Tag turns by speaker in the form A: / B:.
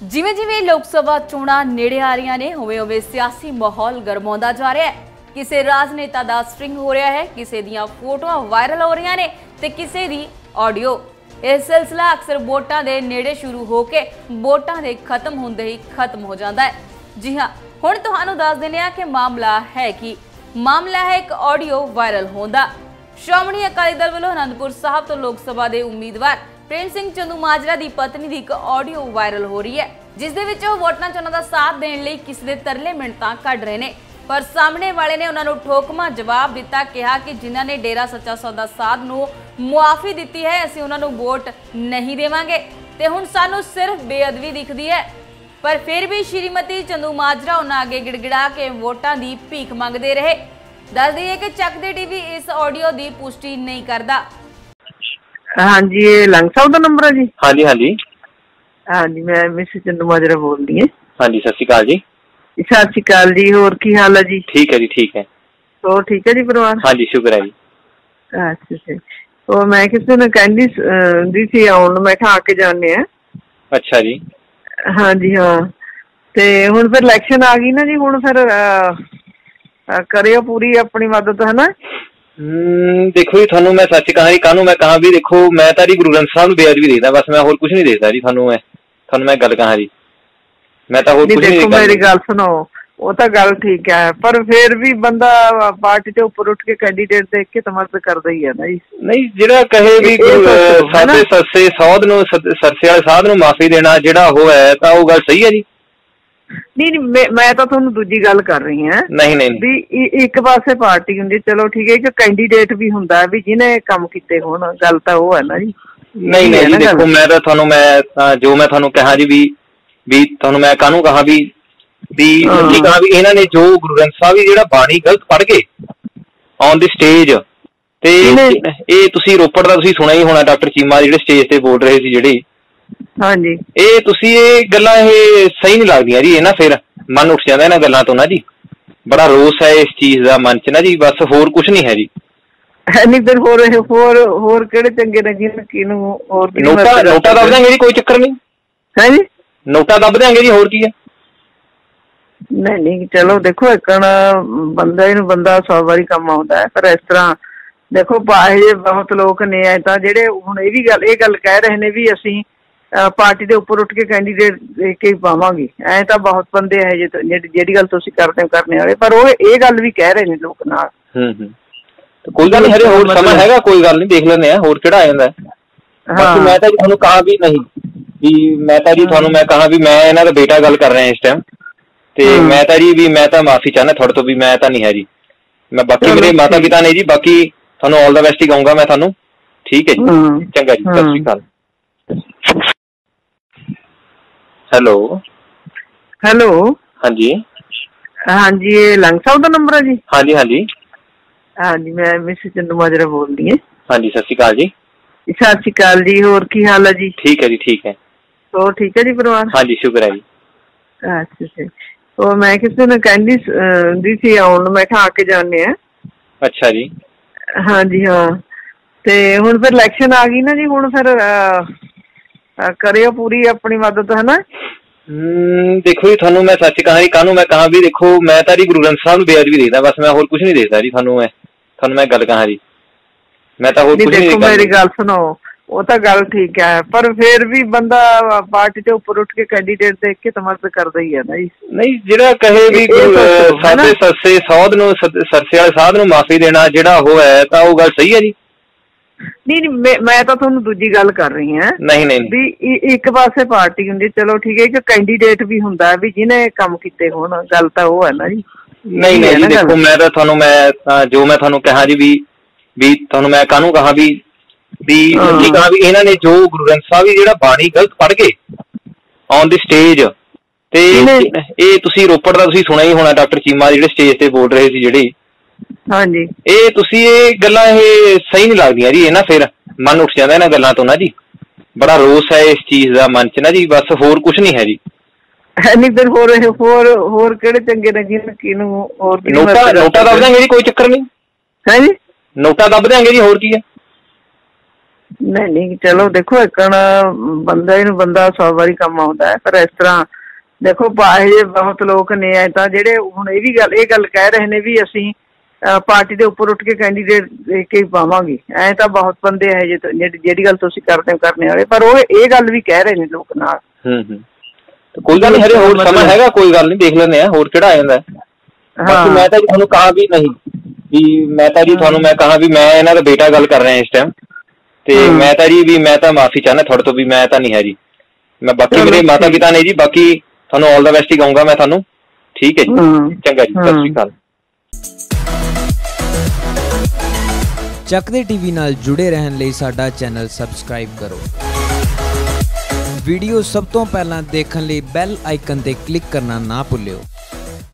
A: ਜਿਵੇਂ ਜਿਵੇਂ ਲੋਕ ਸਭਾ ਚੋਣਾਂ ਨੇੜੇ ਆ ਰਹੀਆਂ ਨੇ ਉਵੇਂ ਸਿਆਸੀ ਮਾਹੌਲ ਗਰਮਾਉਂਦਾ ਜਾ ਰਿਹਾ ਹੈ। ਕਿਸੇ ਰਾਜਨੇਤਾ ਦਾ ਸਟ੍ਰਿੰਗ ਹੋ ਰਿਹਾ ਹੈ, ਕਿਸੇ ਦੀਆਂ ਫੋਟੋਆਂ ਵਾਇਰਲ ਹੋ ਰਹੀਆਂ ਨੇ ਤੇ ਕਿਸੇ ਦੀ ਆਡੀਓ। ਇਹ ਸਿਲਸਿਲਾ ਅਕਸਰ ਵੋਟਾਂ ਦੇ ਨੇੜੇ ਸ਼ੁਰੂ ਹੋ ਕੇ ਵੋਟਾਂ ਦੇ ਖਤਮ ਹੁੰਦੇ ਹੀ ਖਤਮ ਹੋ ਜਾਂਦਾ ਹੈ। ਜੀ ਹਾਂ, ਹੁਣ ਤੁਹਾਨੂੰ ਦੱਸ ਦਿੰਦੇ ਹਾਂ ਕਿ ਮਾਮਲਾ ਹੈ ਇੱਕ ਆਡੀਓ ਵਾਇਰਲ ਹੋਣ ਦਾ। ਸ਼੍ਰੋਮਣੀ ਅਕਾਲੀ ਦਲ ਵੱਲੋਂ ਅਨੰਦਪੁਰ ਸਾਹਿਬ ਤੋਂ ਲੋਕ ਸਭਾ ਦੇ ਉਮੀਦਵਾਰ ਪ੍ਰੇਮ ਸਿੰਘ ਚੰਦੂਮਾਜਰਾ ਦੀ ਪਤਨੀ ਦੀ ਇੱਕ ਆਡੀਓ ਵਾਇਰਲ ਹੋ ਰਹੀ ਹੈ, ਜਿਸ ਦੇ ਵਿੱਚ ਉਹ ਵੋਟਾਂ 'ਚ ਉਹਨਾਂ ਦਾ ਸਾਥ ਦੇਣ ਲਈ ਕਿਸੇ ਦੇ ਤਰਲੇ ਮਿੰਨਤਾਂ ਕੱਢ ਰਹੇ ਨੇ। ਪਰ ਸਾਹਮਣੇ ਵਾਲੇ ਨੇ ਉਹਨਾਂ ਨੂੰ ਠੋਕਮਾ ਜਵਾਬ ਦਿੱਤਾ, ਕਿਹਾ ਕਿ ਜਿਨ੍ਹਾਂ ਨੇ ਡੇਰਾ ਸੱਚਾ ਸੌਦਾ ਸਾਹਿਬ ਨੂੰ ਮੁਆਫੀ ਦਿੱਤੀ ਹੈ ਅਸੀਂ ਉਹਨਾਂ ਨੂੰ ਵੋਟ ਨਹੀਂ ਦੇਵਾਂਗੇ ਤੇ ਹੁਣ ਸਾਨੂੰ ਸਿਰਫ ਬੇਅਦਬੀ ਦਿਖਦੀ ਹੈ। ਪਰ ਫਿਰ ਵੀ ਸ਼੍ਰੀਮਤੀ ਚੰਦੂਮਾਜਰਾ ਉਹਨਾਂ ਅੱਗੇ ਗਿੜਗਿੜਾ ਕੇ ਵੋਟਾਂ ਦੀ ਭੀਖ ਮੰਗਦੇ ਰਹੇ। ਦੱਸ ਦਈਏ ਕਿ ਚੱਕ ਦੇ ਟੀਵੀ ਇਸ ਆਡੀਓ ਦੀ ਪੁਸ਼ਟੀ ਨਹੀਂ ਕਰਦਾ।
B: हाँ जी, ये लंग साहब का नंबर है जी।
C: हाँ जी हाँ जी
B: हाँ जी, मैं मिसेस चंदूमाजरा बोल रही है।
C: हाँ जी, सत श्री अकाल जी।
B: सत श्री अकाल जी, और की हाल है जी?
C: ठीक है जी, ठीक है।
B: तो ठीक है जी परिवार?
C: हाँ जी, शुक्र है जी।
B: अच्छा अच्छा, तो मैं किसी ने कहती दी सी आउन, मैं कहा आके जाने हैं।
C: अच्छा जी।
B: हाँ जी हाँ, ते हुण फिर इलेक्शन आ गई ना जी, हुण फिर करियो पूरी अपनी मदद, है ना?
C: देखो जी, थानू मैं सच कहा जी, कानू मैं कहा भी देखो मैं तो जी गुरु ग्रंथ साहब नूं बेअदबी देखदा, बस मैं होर कुछ नहीं देखदा जी। थानू मैं गल कहा जी, मैं तो होर कुछ नहीं देखदा।
B: मेरी गल सुनो, वो तो गल ठीक है, पर फिर भी बंदा पार्टी के ऊपर उठ के कैंडीडेट देख के तो मदद करदा ही है ना जी।
C: नहीं, जिहड़ा कहे भी साडे सस्से सौद नूं सरसे वाले साध नूं माफी देना जिहड़ा हो है तां ओह गल सही है जी।
B: नहीं, मैं तो तुहानू दूजी गल कर रही हां।
C: नहीं
B: भी एक पासे पार्टी हुंदी, चलो ठीक है, एक कैंडीडेट भी हुंदा है भी जिन्हें काम कीते होण, गल तां ओह है ना जी।
C: नहीं जी, देखो मैं तो थानू जो मैं थानू कहा जी भी थानू मैं कानू कहा भी कहा भी इन्हां ने जो गुरु ग्रंथ साहब जी जिहड़ा बाणी गलत पढ़ के ऑन द स्टेज ते ਇਹ ਤੁਸੀਂ ਰੋਪੜ ਦਾ ਤੁਸੀਂ ਸੁਣਿਆ ਹੀ ਹੋਣਾ, ਡਾਕਟਰ ਚੀਮਾ ਜਿਹੜੇ ਸਟੇਜ ਤੇ ਬੋਲ ਰਹੇ ਸੀ ਜਿਹੜੇ।
B: हाँ जी,
C: ਇਹ ਗੱਲਾਂ ਇਹ ਸਹੀ ਨਹੀਂ ਲੱਗਦੀਆਂ ਜੀ। ਇਹ ਨਾ ਫਿਰ ਮਨ ਉੱਠ ਜਾਂਦਾ ਇਹਨਾਂ ਗੱਲਾਂ ਤੋਂ ਨਾ ਜੀ, ਬੜਾ ਰੋਸ ਹੈ ਇਸ ਚੀਜ਼ ਦਾ ਮਨ 'ਚ ਨਾ ਜੀ, ਬਸ ਹੋਰ ਕੁਝ ਨਹੀਂ ਹੈ ਜੀ।
B: ਨਹੀਂ ਫਿਰ ਹੋਰ ਕਿਹੜੇ ਚੰਗੇ ਲੱਗੇ ਕਿਹਨੂੰ? ਹੋਰ
C: ਨੋਟਾ ਦੱਬ ਦਿਆਂਗੇ ਜੀ, ਕੋਈ ਚੱਕਰ ਨਹੀਂ
B: ਹੈ ਜੀ, ਨੋਟਾ
C: ਦੱਬ ਦਿਆਂਗੇ ਜੀ, ਹੋਰ ਕੀ ਹੈ।
B: ਨਹੀਂ ਚਲੋ ਦੇਖੋ, ਇੱਕ ਬੰਦਾ 100 ਵਾਰੀ ਕੰਮ ਆਉਂਦਾ ਹੈ, ਪਰ ਇਸ ਤਰ੍ਹਾਂ ਦੇਖੋ ਇਹ ਬਹੁਤ ਲੋਕ ਨੇ ਤਾਂ ਜਿਹੜੇ ਹੁਣ ਇਹ ਗੱਲ ਕਹਿ ਰਹੇ ਨੇ ਵੀ ਅਸੀਂ ਪਾਰਟੀ ਦੇ ਉੱਪਰ ਉੱਠ ਕੇ ਕੈਂਡੀਡੇਟ ਦੇਖ ਕੇ ਪਾਵਾਂਗੇ। ਐ ਤਾਂ ਬਹੁਤ ਬੰਦੇ ਹੈ ਜਿਹੜੀ ਗੱਲ ਤੁਸੀਂ ਕਰਨੇ ਵਾਲੇ, ਪਰ ਉਹ ਇਹ ਗੱਲ ਵੀ ਕਹਿ ਰਹੇ ਨੇ ਲੋਕ ਨਾਲ।
C: ਕੋਈ ਗੱਲ ਨਹੀਂ, ਹਰੇ ਹੋਰ ਸਮਾਂ ਹੈਗਾ, ਕੋਈ ਗੱਲ ਨਹੀਂ, ਦੇਖ ਲੈਂਦੇ ਆ ਹੋਰ ਕਿਹੜਾ ਆ ਜਾਂਦਾ। ਬਾਕੀ ਮੈਂ ਤਾਂ ਜੀ ਤੁਹਾਨੂੰ ਕਹਾ ਵੀ ਨਹੀਂ ਵੀ ਮੈਂ ਤਾਂ ਜੀ ਤੁਹਾਨੂੰ ਮੈਂ ਕਹਾ ਵੀ ਮੈਂ ਇਹਨਾਂ ਦਾ ਬੇਟਾ ਗੱਲ ਕਰ ਰਿਹਾ ਇਸ ਟਾਈਮ, ਤੇ ਮੈਂ ਤਾਂ ਜੀ ਵੀ ਮੈਂ ਤਾਂ ਮਾਫੀ ਚਾਹੁੰਦਾ ਤੁਹਾਡੇ ਤੋਂ ਵੀ ਮੈਂ ਤਾਂ ਨਹੀਂ ਹੈ ਜੀ। ਮੈਂ ਬਾਕੀ ਮੇਰੇ ਮਾਤਾ ਪਿਤਾ ਨੇ ਜੀ, ਬਾਕੀ ਤੁਹਾਨੂੰ ਆਲ ਦਾ ਬੈਸਟ ਹੀ ਕਹੂੰਗਾ ਮੈਂ ਤੁਹਾਨੂੰ। ਠੀਕ ਹੈ ਜੀ, ਚੰਗਾ ਜੀ, ਸਤਿ ਸ਼੍ਰੀ ਅਕਾਲ। हेलो हाँ जी
B: हाँ जी, ये लंग साहब का नंबर है जी।
C: हाँ जी हाँ जी
B: हाँ जी, मैं मिसेस चंदूमाजरा बोल रही है।
C: हाँ जी, सत श्री अकाल जी।
B: सत श्री अकाल जी, और की हाल है जी?
C: ठीक है जी, ठीक है।
B: तो ठीक है जी परिवार?
C: हाँ जी, शुक्र है जी।
B: अच्छा अच्छा, तो मैं किसी ने कहती दी सी आउन, मैं कहा आके जाने हैं।
C: अच्छा जी।
B: हाँ जी हाँ, ते हुण फिर इलेक्शन आ गई ना जी, हुण फिर करियो पूरी अपनी मदद, है ना?
C: देखो जी, थानू मैं सच कहा जी, कानू मैं कहा भी देखो मैं तो जी गुरु ग्रंथ साहब नूं बेअदबी देखदा, बस मैं होर कुछ नहीं देखदा जी। थानू मैं गल कहा जी, मैं तो होर कुछ नहीं देखदा।
B: मेरी गल सुनो, वो तो गल ठीक है, पर फिर भी बंदा पार्टी के ऊपर उठ के कैंडीडेट देख के तो मदद करदा ही है ना जी। नहीं,
C: जिहड़ा कहे भी साडे सस्से सौद नूं सरसे वाले साध नूं माफी देना जिहड़ा हो है तां ओह गल सही है जी।
B: नहीं, मैं तो तुहानू दूजी गल कर रही हां।
C: नहीं
B: भी एक पासे पार्टी हुंदी, चलो ठीक है, एक कैंडीडेट भी हुंदा भी जिन्हें काम कीते होण, गल तां ओह है ना जी।
C: नहीं जी, देखो मैं तो थानू जो मैं थानू कहा जी भी थानू मैं कानू कहा भी कहा भी इन्हां ने जो गुरु ग्रंथ साहब जी जिहड़ा बाणी गलत पढ़ के ऑन द स्टेज ते ਇਹ ਤੁਸੀਂ ਰੋਪੜ ਦਾ ਤੁਸੀਂ ਸੁਣਿਆ ਹੀ ਹੋਣਾ, ਡਾਕਟਰ ਚੀਮਾ ਜਿਹੜੇ ਸਟੇਜ ਤੇ ਬੋਲ ਰਹੇ ਸੀ ਜਿਹੜੇ।
B: हाँ जी,
C: ਇਹ ਗੱਲਾਂ ਇਹ ਸਹੀ ਨਹੀਂ ਲੱਗਦੀਆਂ ਜੀ। ਇਹ ਨਾ ਫਿਰ ਮਨ ਉੱਠ ਜਾਂਦਾ ਇਹਨਾਂ ਗੱਲਾਂ ਤੋਂ ਨਾ ਜੀ, ਬੜਾ ਰੋਸ ਹੈ ਇਸ ਚੀਜ਼ ਦਾ ਮਨ 'ਚ ਨਾ ਜੀ, ਬਸ ਹੋਰ ਕੁਝ ਨਹੀਂ ਹੈ ਜੀ।
B: ਨਹੀਂ ਫਿਰ ਹੋਰ ਕਿਹੜੇ ਚੰਗੇ ਲੱਗੇ ਕਿਹਨੂੰ? ਹੋਰ
C: ਨੋਟਾ ਦੱਬ ਦਿਆਂਗੇ ਜੀ, ਕੋਈ ਚੱਕਰ ਨਹੀਂ ਹੈ ਜੀ, ਨੋਟਾ ਦੱਬ ਦਿਆਂਗੇ ਜੀ, ਹੋਰ ਕੀ ਹੈ।
B: नहीं चलो देखो एकण बंदे नूं बंदा 100 वारी काम आउंदा है, पर इस तरह देखो ये बहुत लोग ने तां जिहड़े हुण ये गल कह रहे ने भी असीं पार्टी दे उपर उठ के कैंडीडेट दे के पावांगे। ऐ तां बहुत बंदे है जिहड़ी गल तुसीं करने वाले, पर वो ये गल भी कह रहे ने लोक नाल।
C: तो कोई गल नहीं, हरे होर समा हैगा, कोई गल नहीं, देख लैंदे आ होर किहड़ा आ जांदा है। बाकी मैं तां जी तुहानूं कहा भी नहीं भी मैं तां जी तुहानूं मैं कहा भी मैं इन्हां दा बेटा गल कर रहा इस टाइम, ते मैं तां जी भी मैं तां माफी चाहना थोड़े तो भी, मैं तां नहीं है जी। मैं बाकी मेरे माता पिता ने जी, बाकी ਤੁਹਾਨੂੰ ਆਲ ਦਾ ਬੈਸਟ ਹੀ ਕਹੂੰਗਾ ਮੈਂ ਤੁਹਾਨੂੰ। ਠੀਕ ਹੈ ਜੀ, ਚੰਗਾ ਜੀ, ਸਤਿ ਸ਼੍ਰੀ ਅਕਾਲ।
D: ਚੱਕਦੇ ਟੀਵੀ ਨਾਲ ਜੁੜੇ ਰਹਿਣ ਲਈ ਸਾਡਾ ਚੈਨਲ ਸਬਸਕ੍ਰਾਈਬ ਕਰੋ। ਵੀਡੀਓ ਸਭ ਤੋਂ ਪਹਿਲਾਂ ਦੇਖਣ ਲਈ ਬੈਲ ਆਈਕਨ ਤੇ ਕਲਿੱਕ ਕਰਨਾ ਨਾ ਭੁੱਲਿਓ।